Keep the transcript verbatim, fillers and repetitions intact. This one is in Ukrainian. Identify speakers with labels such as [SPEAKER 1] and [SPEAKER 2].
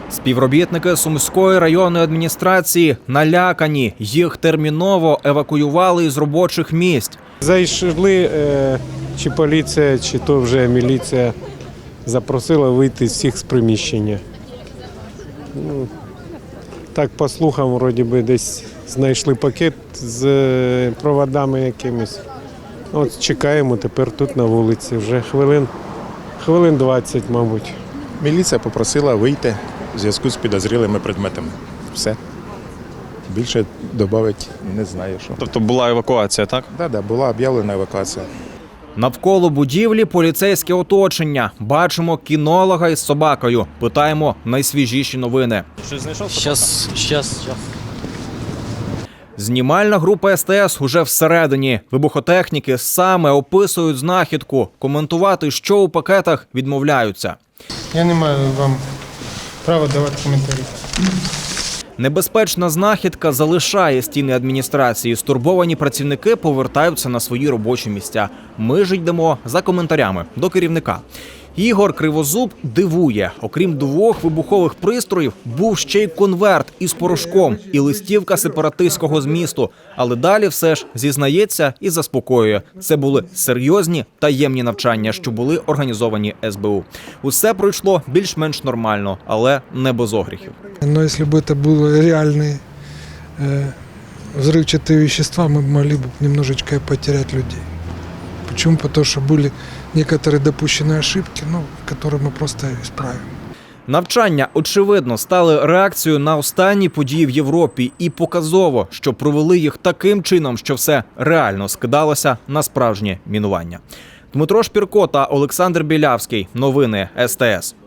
[SPEAKER 1] Співробітники Сумської районної адміністрації налякані. Їх терміново евакуювали із робочих місць.
[SPEAKER 2] Зайшли, чи поліція, чи то вже міліція запросила вийти з всіх з приміщення. Ну, так, по слухам, вроді би, десь знайшли пакет з проводами якимись. От чекаємо тепер тут на вулиці. Вже хвилин, хвилин двадцять, мабуть.
[SPEAKER 3] Міліція попросила вийти в зв'язку з підозрілими предметами. Все. Більше додати не знаю, що.
[SPEAKER 4] Тобто була евакуація, так?
[SPEAKER 3] Так, так, була об'явлена евакуація.
[SPEAKER 1] Навколо будівлі поліцейське оточення. Бачимо кінолога із собакою. Питаємо найсвіжіші новини.
[SPEAKER 4] Щось знайшов?
[SPEAKER 5] Щас, щас, щас.
[SPEAKER 1] Знімальна група ес те ес уже всередині. Вибухотехніки саме описують знахідку. Коментувати, що у пакетах, відмовляються.
[SPEAKER 6] Я не маю вам права давати коментарі.
[SPEAKER 1] Небезпечна знахідка залишає стіни адміністрації. Стурбовані працівники повертаються на свої робочі місця. Ми ж йдемо за коментарями до керівника. Ігор Кривозуб дивує. Окрім двох вибухових пристроїв, був ще й конверт із порошком і листівка сепаратистського змісту. Але далі все ж зізнається і заспокоює. Це були серйозні таємні навчання, що були організовані ес бе у. Усе пройшло більш-менш нормально, але не без огріхів.
[SPEAKER 7] Но если бы это были реальные э, взрывчатые вещества, мы могли бы немножечко потерять людей. Почему? Потому что были некоторые допущенные ошибки, ну, которые мы просто исправим.
[SPEAKER 1] Навчання, очевидно, стали реакцією на останні події в Європі і показово, що провели їх таким чином, що все реально скидалося на справжнє мінування. Дмитро Шпірко та Олександр Білявський. Новини ес те ес.